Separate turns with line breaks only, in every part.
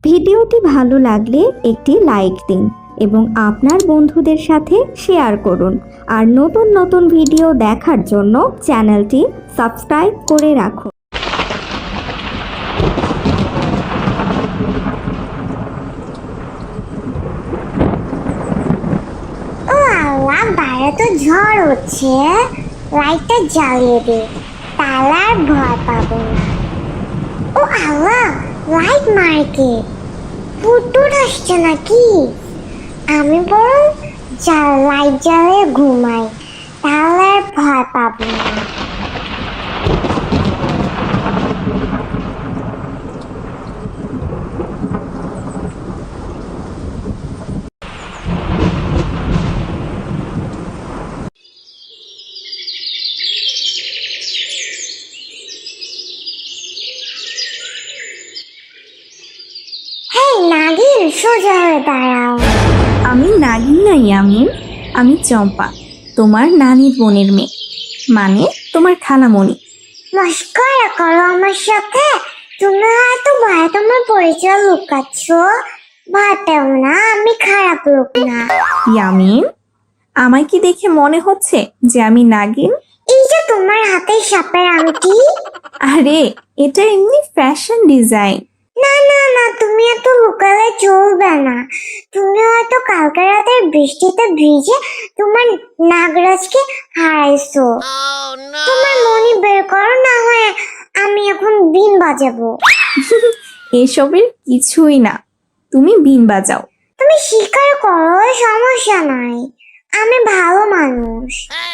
ভিডিওটি ভালো লাগলে একটি লাইক দিন এবং আপনার বন্ধুদের সাথে শেয়ার করুন। আর নতুন নতুন ভিডিও দেখার জন্য চ্যানেলটি সাবস্ক্রাইব করে রাখুন।
ও আল্লাহ, বাইরে তো ঝড় হচ্ছে, লাইটটা জ্বালিয়ে দে, তাহলে আর ভয় পাবো না। ও আল্লাহ, লাইট মারকে ভূত আসছে নাকি? আমি বরং লাইট জ্বালিয়ে ঘুমাই, তাহলে আর ভয় পাবো না। নাগিন, সোজা হয়ে দাঁড়াও।
আমি নাগিন না ইয়ামিন, আমি চম্পা, তোমার নানির বোনের মেয়ে, মানে তোমার খালামণি।
মস্করা করো আমার সাথে? তুমি হয়তো ভয় তোমার পরিচয় লুকাচ্ছ। ভয় পেও না, আমি খারাপ লোক না।
ইয়ামিন, আমায় কি দেখে মনে হচ্ছে যে আমি নাগিন?
এই যে তোমার হাতে সাপের আংটি।
আরে, এটা এমনি ফ্যাশন ডিজাইন।
না না না, তুমি এত লুকালে চলবে না। তুমি হয়তো কালকে রাতের বৃষ্টিতে ভিজে তোমার নাগরাজকে হারাইছো। তোমার মনি বের করো, না হয় আমি এখন বিন বাজাবো।
এসবের কিছুই না, তুমি বিন বাজাও।
তুমি স্বীকার করো, সমস্যা নাই, আমি ভালো মানুষ।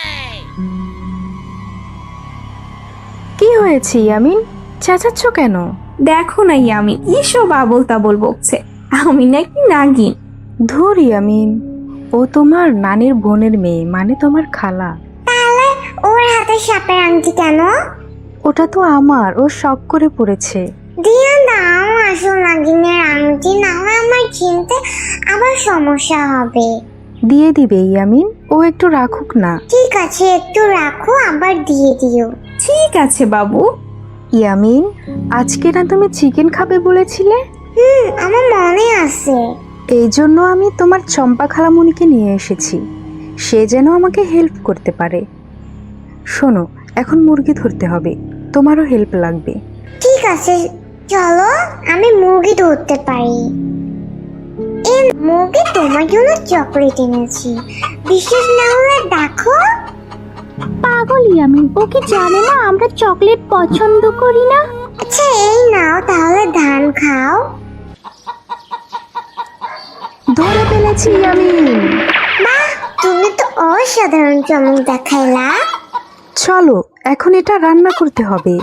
কি হয়েছে ইয়ামিন, চেঁচাচ্ছ কেন?
দেখো না ইয়ামিন, এসব আবল তাবল বকছে, আমি নাকি নাগিন।
ধুর ইয়ামিন, ও তোমার নানির বোনের মেয়ে, মানে তোমার খালা।
তাহলে ওর হাতে সাপের আংটি কেন?
ওটা তো আমার, ও শখ করে পড়েছে।
দিয়ে দাও আসল নাগিনের আংটি, না হয় আমার চিনতে আবার সমস্যা হবে।
দিয়ে দিবে ইয়ামিন, ও একটু রাখুক না।
ঠিক আছে, একটু রাখো, আবার দিয়ে দিও।
ঠিক আছে বাবু।
ইয়ামিন, আজকে না তুমি চিকেন খাবে বলেছিলে?
আমার মনে আছে।
এই জন্য আমি তোমার চম্পা খালামণিকে নিয়ে এসেছি, সে যেন আমাকে হেল্প করতে পারে। শোনো, এখন মুরগি ধরতে হবে, তোমারও হেল্প লাগবে।
ঠিক আছে, চলো, আমি মুরগি ধরতে পারি। এই মুরগি তোমার জন্য চকলেট এনেছি, বিশেষ না হলে দেখো।
পাগল ইয়ামিন, ও কি জানে না আমরা চকলেট পছন্দ করি না?
আচ্ছা এই নাও, তাহলে ধান খাও।
ধরে ফেলেছি ইয়ামিন।
বাহ, তুমি তো অসাধারণ চমক দেখাইলা।
চলো, এখন এটা রান্না করতে হবে।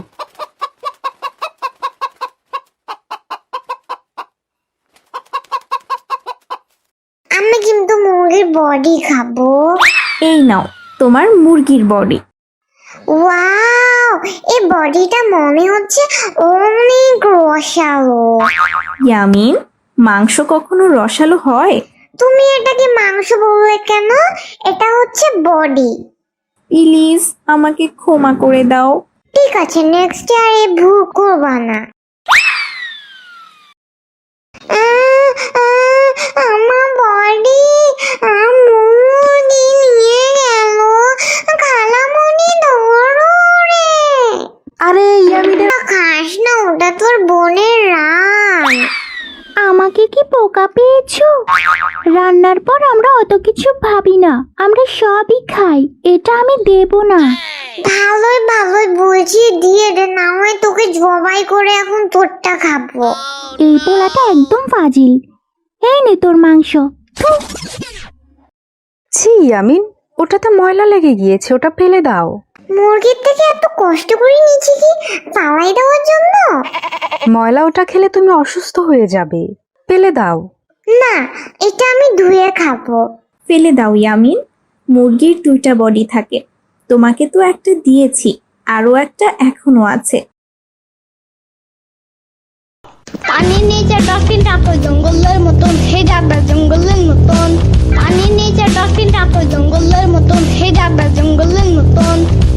আমি কিন্তু মুরগির বডি খাবো।
এই নাও তোমার মুরগির বডি।
ওয়াও, এই বডিটা মনে হচ্ছে অনেক রসালো।
ইয়ামিন, মাংস কখনো রসালো হয়?
তুমি এটাকে মাংস বললে কেন? এটা হচ্ছে বডি।
প্লিজ আমাকে ক্ষমা করে দাও।
ঠিক আছে, নেক্সট আর এই ভুল করবা না। আমার বডি মুরগি নিয়ে গেল। খালামণি ধরো রে।
আরে ইয়ামিনের
খাস না, ওটা তোর বোনের রান।
আমাকে কি পোকা পেয়েছো? রান্নার পর আমরা অত কিছু ভাবি না, আমরা সবই খাই, এটা আমি দেব না।
ভালোই ভালোই বলছি, দিয়ে দে, না হয় তোকে জবাই করে এখন তোরটা খাবো।
এই পোলাটা একদম ফাজিল। এই নে তোর মাংস। থু।
ছি ইয়ামিন, ওটাতে ময়লা লেগে গিয়েছে, ওটা ফেলে দাও।
মুরগির থেকে এত কষ্ট করে নিচ্ছি কি পালাই দেওয়ার জন্য?
ময়লা ওটা খেলে তুমি অসুস্থ হয়ে যাবে, ফেলে দাও।
না, এটা আমি ধুয়ে খাবো।
ফেলে দাও ইয়ামিন, মুরগির 2টা বডি থাকে, তোমাকে তো একটা দিয়েছি, আরো একটা এখনো আছে।
পানির নিচে ডলফিনটা তো জঙ্গলের মতন, হে যাবে জঙ্গলের মতন। পানির নিচে ডলফিনটা তো জঙ্গলের মতন, হে যাবে জঙ্গলের মতন।